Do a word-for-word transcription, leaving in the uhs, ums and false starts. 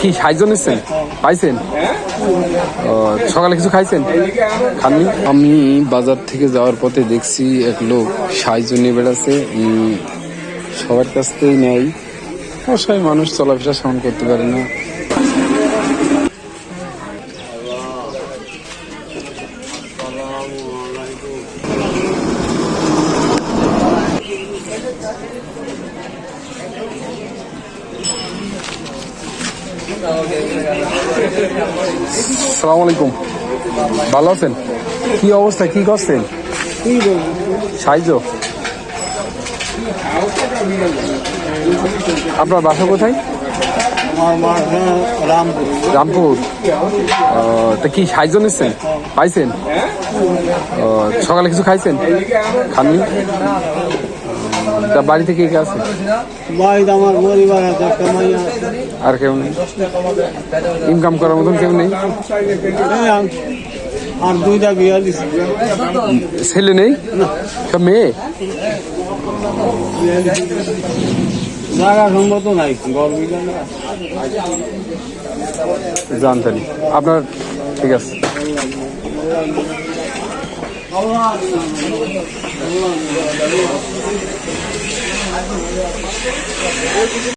কি সাহায্য নিচ্ছেন? পাইছেন? ও, সকালে কিছু খাইছেন? খাননি? আমি বাজার থেকে যাওয়ার পথে দেখছি এক লোক সাহায্য নিয়ে বেড়াচ্ছে। উম, সবার কাছ থেকেই নেয়। অসহায় মানুষ চলাফেরা সামন করতে পারে না। আসসালামু আলাইকুম, ভালো আছেন? কি অবস্থা, কি করছেন? সাহায্য। আপনার বাসা কোথায়? রামপুর। রামপুর। তা কি সাহায্য নিচ্ছেন? পাইছেন? ও, সকালে কিছু খাইছেন? খাননি? তা বাড়িতে কে কে আছে? বাড়িতে আমার পরিবার আছে, একটা মাইয়া আছে। আর কেউ নেই? ইনকাম করার মতন কেউ নেই? এই আম- আর দুইটা বিয়া দিচ্ছে। ছেলে নেই, সব মেয়ে? জায়গা সম্মত নাই, গরমি জানতেনি আপনার? ঠিক আছে।